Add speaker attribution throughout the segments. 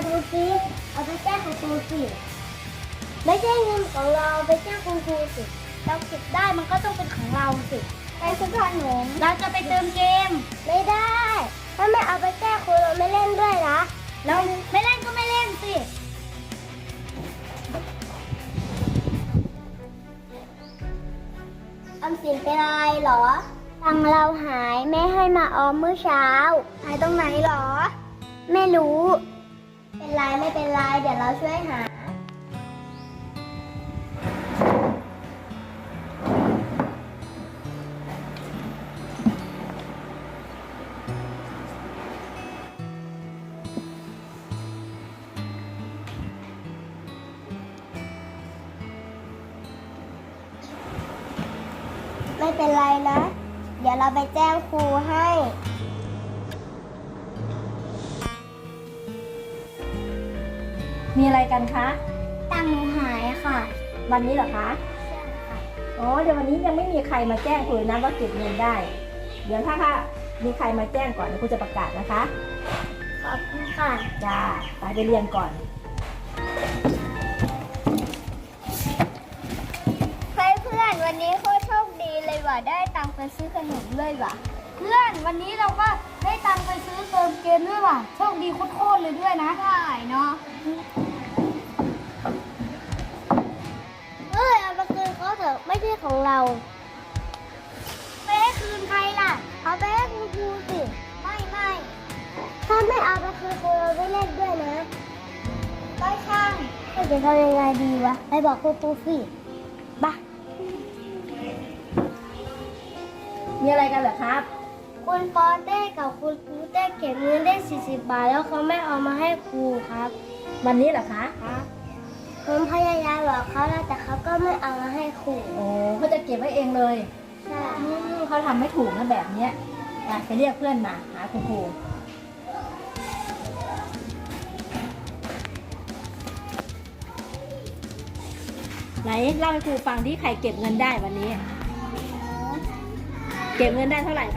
Speaker 1: ดูสิเอาไปแจ้งคุณครูสิไม่ใช่เงินของเราไปแจ้งคุณครูสิเราเก็บได้มันก็ต้องเป็นของเราสิไปซื้อขนมเราจะไปเติมเกมไม่ได้ถ้าไม่เอาไปแจ้งครูเราไม่เล่นด้วยนะเราไม่เล่นก็ไม่เล่นสิออมสินเป็นอะไรเหรอตังเราหายแม่ให้มาออมเมื่อเช้าหายตรงไหนเหรอไม่รู้เป็นไรไม่เป็นไรเดี๋ยวเราช่วยหาไม่เป็นไรนะ เดี๋ยวเราไปแจ้งครูให้
Speaker 2: มีอะไรกันคะ
Speaker 1: ตังค์หนูหายค่ะ
Speaker 2: วันนี้เหรอคะ
Speaker 1: ใช่ค่ะ
Speaker 2: อ๋อ เดี๋ยววันนี้ยังไม่มีใครมาแจ้งครูนะว่าเก็บเงินได้ เดี๋ยวถ้ามีใครมาแจ้งก่อนเดี๋ยวครูจะประกาศนะคะ
Speaker 1: ขอบคุณค่ะ
Speaker 2: จ้าไปเรียนก่อน
Speaker 1: เฮ้ยเพื่อนวันนี้โคตรโชคดีเลยว่ะได้ตังค์ไปซื้อขนมเลยว่ะเพื่อนวันนี้เราก็ได้ตังค์ไปซื้อเติมเกมด้วยว่ะโชคดีโคตรเลยด้วยนะใช่เนาะเฮ้ยเอาไปคืนเขาเถอะไม่ใช่ของเราไปให้คืนใครล่ะเอาไปให้คุณครูสิไม่ถ้าไม่เอาไปคืนครูเราไม่เล่นด้วยนะก็ช่างจะทำยังไงดีวะไปบอกครูสิบ้า
Speaker 2: มีอะไรกันเหรอครับ
Speaker 1: คุณปอเต้กับคุณครูเต้เก็บเงินได้40 บาทแล้วเขาไม่เอามาให้ครูครับ
Speaker 2: วันนี้เหรอคะ
Speaker 1: ผมพยายามบอกเขาแล้วแต่เขาก็ไม่เอามาให้ครู
Speaker 2: โอ้เขาจะเก็บไว้เองเลย
Speaker 1: ใช่
Speaker 2: เขาทำไม่ถูกนะแบบเนี้ยไปเรียกเพื่อนมาหาคุณครูไหนเล่าให้ครูฟังที่ใครเก็บเงินได้วันนี้ เก็บเงินได้เท่าไหร่คะ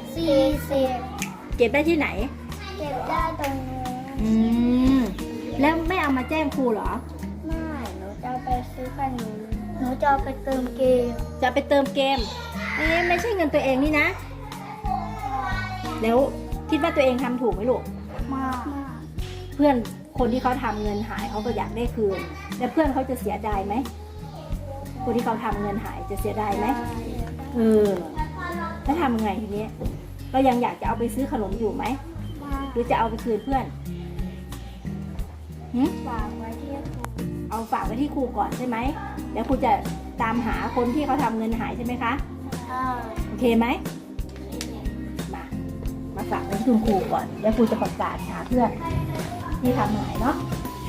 Speaker 1: 40
Speaker 2: เก็บได้ที่ไหน
Speaker 1: เก็บได้ตรงนี้
Speaker 2: อืมแล้วไม่เอามาแจ้งครูเหรอ
Speaker 1: ไม่หนูจะเอาไปซื้อขนมหนูจะเอาไปเติมเกม
Speaker 2: จะไปเติมเกมไม่ใช่เงินตัวเองนี่นะ แล้วคิดว่าตัวเองทำถูกไหมลูก
Speaker 1: มาก
Speaker 2: เพื่อนคนที่เขาทำเงินหายเขาก็อยากได้คืนแต่เพื่อนเขาจะเสียดายไหมคนที่เขาทำเงินหายจะเสียดายไหมแล้วทำไงทีนี้ก็ยังอยากจะเอาไปซื้อขนมอยู่ไหมหรือจะเอาไปคืนเพื่อน
Speaker 1: ฝากไว้ที่ครู
Speaker 2: เอาฝากไว้ที่ครูก่อนใช่ไหมแล้วครูจะตามหาคนที่เขาทำเงินหายใช่ไหมคะโอเคไหมมาฝากไว้ที่คุณครูก่อนแล้วครูจะประกาศหาเพื่อนที่ทำหายเนาะ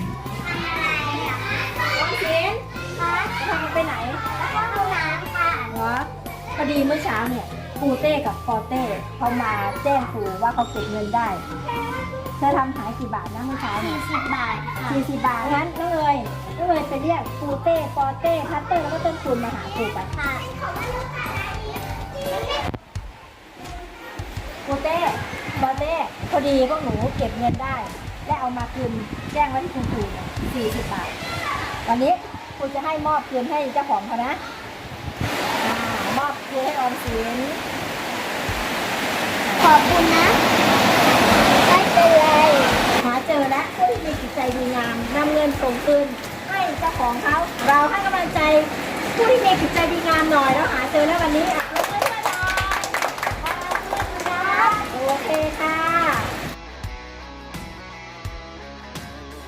Speaker 2: น้องศิลป์
Speaker 1: ค่ะ
Speaker 2: จะทำไปไหน
Speaker 1: แล้วก็ห้องน้ำค่ะ
Speaker 2: เหรอพอดีเมื่อเช้าเนี่ยครูเต้กับปอเต้เขามาแจ้งครูว่าเขาเก็บเงินได้เธอทำหายกี่บาทนะเมื่อเช้าเนี่ย
Speaker 1: 40 บาทค่ะ
Speaker 2: 40 บาทงั้นน้องเอ๋ยไปเรียกครูเต้ปอเต้พัตเตอร์แล้วก็ต้นคูณมาหาครูไป
Speaker 1: ค่ะ
Speaker 2: ครูเต้ปอเต้พอดีพวกหนูเก็บเงินได้ และเอามาคืนแจ้งไว้ที่คุณครูเนี่ย40 บาทวันนี้ครูจะให้มอบคืนให้เจ้าของเขานะมอบคืนให้ออมสิน
Speaker 1: ขอบคุณนะไม่เป็นไร
Speaker 2: หาเจอแล้วผู้ที่มีจิตใจดีงามนำเงินส่งคืนให้เจ้าของเขาเราให้กำลังใจผู้ที่มีจิตใจดีงามหน่อยแล้วหาเจอแล้ววันนี้